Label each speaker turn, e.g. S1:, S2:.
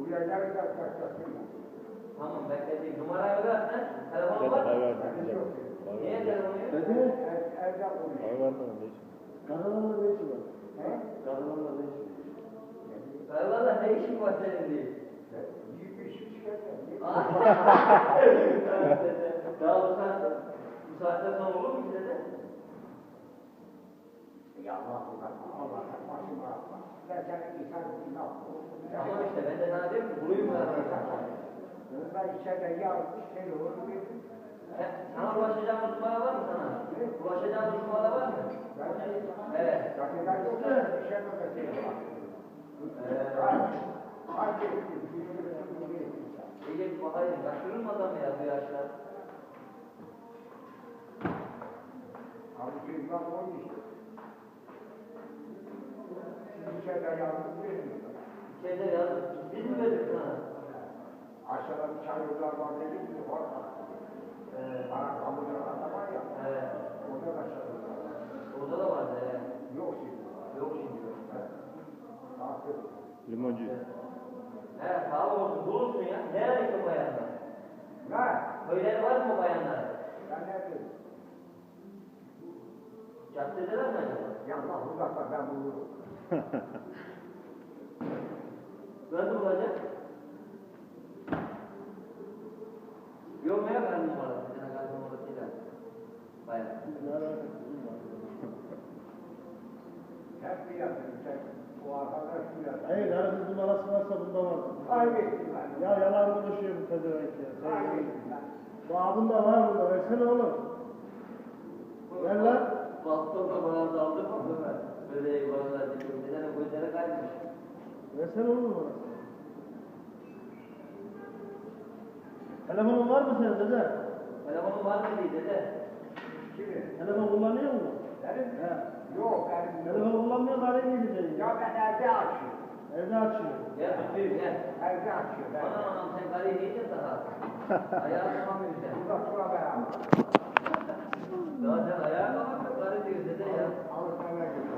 S1: Tamam bekleyeyim. Numarayı ver sen. Telefonu var mı? Niye telefonu yok?
S2: Dedi.
S3: Evde konuşuyor.
S2: Var mı? Ne işin? Karalarla ne işin var? Karalarla ne işin var?
S1: Karalarla ne işin var senin diye.
S3: Büyük bir iş çıkarsa.
S1: Daha bu saatten sonra olur mu size de?
S3: Ya Allah başıma atma. Ben senin insan günah.
S1: Tamam işte ben de sana diyorum ki burayı mı
S3: Ben içeride yağ şey olur.
S1: Sana ulaşacağımız numara var mı sana? Ulaşacağımız numara var mı? Evet.
S3: Zaten yoksa bir şey yok.
S1: İyi bakayım. Kaçırır mı adam ya bu yaşlar?
S3: Abi çocuklar olmuş. Siz içeride yalnız verin.
S1: İçeride yazdık. Biz mi verdik sana?
S3: Aşağıda bir çayırlar var dedik mi? Bana kamudan adam var ya.
S1: Evet.
S3: Orada da çayırlar var.
S1: Orada da vardı. Evet.
S3: Yok şimdi.
S1: Yok şimdi.
S3: Artık.
S2: Limoncu.
S1: He sağ olsun. Bulursun ya. Nerede ki bayanlar?
S3: Ne?
S1: Köyleri var mı bayanlar?
S3: Ben ne dedim?
S1: Caddedeler mi acaba?
S3: Yandan uzakta ben bulurum.
S1: Nasıl bulacak? Yok mu ya ben numarası? Bir tane kalp numarasıyla. Bayan.
S3: Hep bir yazın. O arkadaş bir yazın.
S2: Hayır, arasız numarası varsa bunda var.
S3: Kaybettim ben.
S2: Ya yalan konuşuyor bu pezevenk ya.
S3: Kaybettim ben.
S2: Babında var bunda, versene oğlum. Ver lan.
S1: Bastonla bana daldı mı? Böyle yuvarlar diyor. Neden o gözleri kaymış?
S2: Versene oğlum numarası. Telefonun var mı senin dede?
S1: Telefonun var mı diye dede?
S3: Kimi?
S2: Telefon kullanıyor musun?
S3: Benim?
S2: He.
S3: Yok benim yok.
S2: Telefon kullanmıyor, arayı mıydı senin?
S3: Ya ben evde açıyorum.
S2: Evde açıyor.
S1: Gel tutayım gel.
S3: Evde açıyorum.
S1: Anam anam sen karıyı yiyeceksin daha. Ayağı tutamıyorsun sen.
S3: Burada sonra beraber.
S1: Daha sen ayağa kalkma karı diyor dede ya.
S3: Alışmaya gidiyorum.